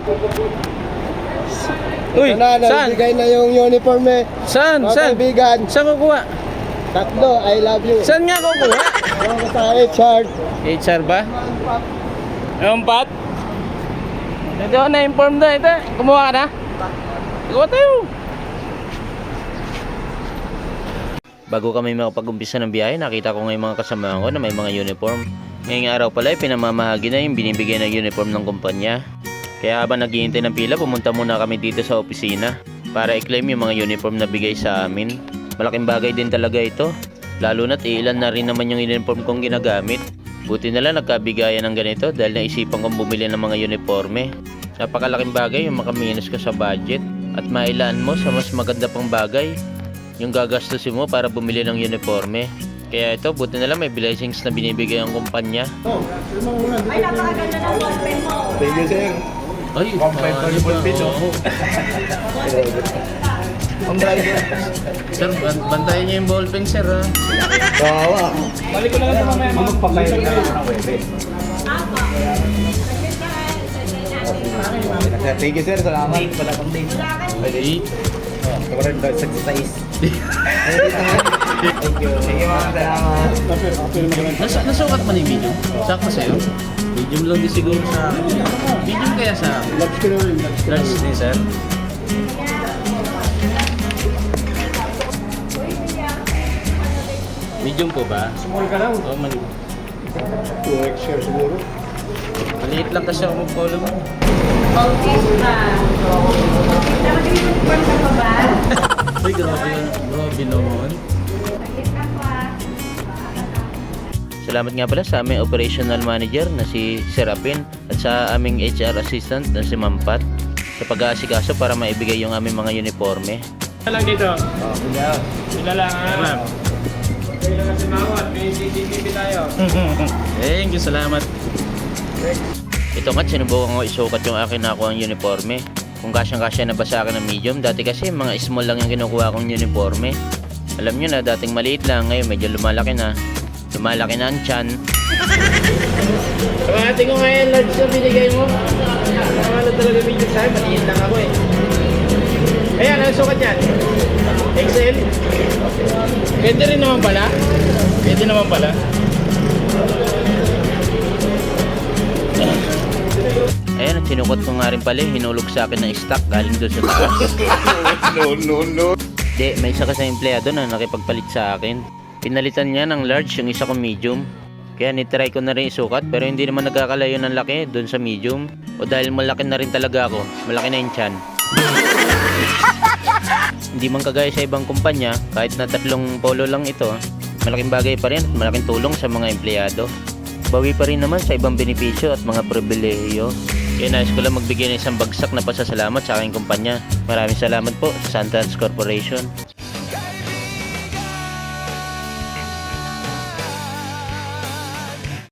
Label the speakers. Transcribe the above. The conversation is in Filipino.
Speaker 1: Uy,
Speaker 2: Ito na,
Speaker 1: saan?
Speaker 2: nabigay na yung uniform eh.
Speaker 1: Saan?
Speaker 2: Mga
Speaker 1: Saan?
Speaker 2: kaibigan,
Speaker 1: Saan kukuha?
Speaker 2: tatlo, I love you.
Speaker 1: Saan nga kukuha?
Speaker 2: Ako ko sa HR.
Speaker 1: HR ba? Yung pat? Ito, na-inform na. Ito, kumuha ka na? Kumuha tayo. Bago kami makapag-umpisa ng biyahe, nakita ko ngayon mga kasamahan ko na may mga uniform. Ngayong araw pala ay pinamamahagi na yung binibigay na uniform ng kumpanya. Kaya habang naghihintay ng pila, pumunta muna kami dito sa opisina para i-claim yung mga uniform na bigay sa amin. Malaking bagay din talaga ito, lalo na't ilan na rin naman yung uniform kong ginagamit. Buti na lang nagkabigayan ng ganito dahil naisipan kong bumili ng mga uniforme. Napakalaking bagay yung makaminus ka sa budget at mailaan mo sa mas maganda pang bagay yung gagastusin mo para bumili ng uniforme. Kaya ito, buti na lang may blessings na binibigay ang kumpanya.
Speaker 3: Ay, napakaganda ng ballpen mo.
Speaker 2: Thank you, sir.
Speaker 1: Ay,
Speaker 2: yung ballpen, oh. Ang driver.
Speaker 1: Sir, bantayan niyo yung ballpen, sir, ha?
Speaker 2: Bawa.
Speaker 4: Balik ko na lang ito mamaya mga magpapayag na ng webe.
Speaker 2: Thank you, sir. Salamat.
Speaker 4: Wala pang date.
Speaker 1: Ay,
Speaker 4: Kamarag daw, exercise.
Speaker 2: Thank you. Thank you, ma'am. Salamat.
Speaker 1: nasukat man yung medium? Sakto sa'yo? Medium lang din siguro sa akin. Medium kaya sa akin?
Speaker 2: Labs ko na rin.
Speaker 1: Large din, sir. Medium po ba?
Speaker 4: Small ka lang.
Speaker 1: Oo, mali.
Speaker 2: 2x share siguro.
Speaker 1: Maliit lang kasi ako mag-follow mo.
Speaker 3: Okay ba? Nakapag-inform ka pa ba?
Speaker 1: Uy, grabe yun. Grabe naman. Salamat nga pala sa aming operational manager na si Serapin at sa aming HR assistant na si Mampat sa pag-aasikaso para maibigay yung aming mga uniforme.
Speaker 4: Sila lang dito. Sila lang ha.
Speaker 1: Ma'am.
Speaker 4: Sila lang si Mawat. May CCTV tayo.
Speaker 1: Thank you, salamat. Ito nga't sinubukan ko isukat yung akin nakuha ang uniforme. Kung kasyang-kasya na ba sa akin ng medium, dati kasi mga small lang yung kinukuha kong uniforme. Alam nyo na, dating maliit lang, ngayon medyo lumalaki na. Lumalaki na ang tiyan.
Speaker 4: Kamahati ko nga yung large na binigay mo. Nakakala talaga medium sa'yo. Maliit lang ako eh. Ayan, ang sukat yan. XL. Pwede rin naman pala. Pwede naman pala.
Speaker 1: Ayan, at sinukot ko nga rin pala, hinulog sa akin ng stock galing doon sa taas.
Speaker 2: No.
Speaker 1: Di, may isa kasi empleyado na nakipagpalit sa akin. Pinalitan niya ng large yung isa kong medium. Kaya nitry ko na rin isukat pero hindi naman nagkakalayo ng laki doon sa medium. O dahil malaki na rin talaga ako, malaki na yung tiyan. Hindi man kagaya sa ibang kumpanya, kahit na 3 polo lang ito, malaking bagay pa rin at malaking tulong sa mga empleyado. Bawi pa rin naman sa ibang benepisyo at mga pribilehiyo. Kaya nais ko lang magbigay ng isang bagsak na pasasalamat sa aking kumpanya. Maraming salamat po sa Santans Corporation.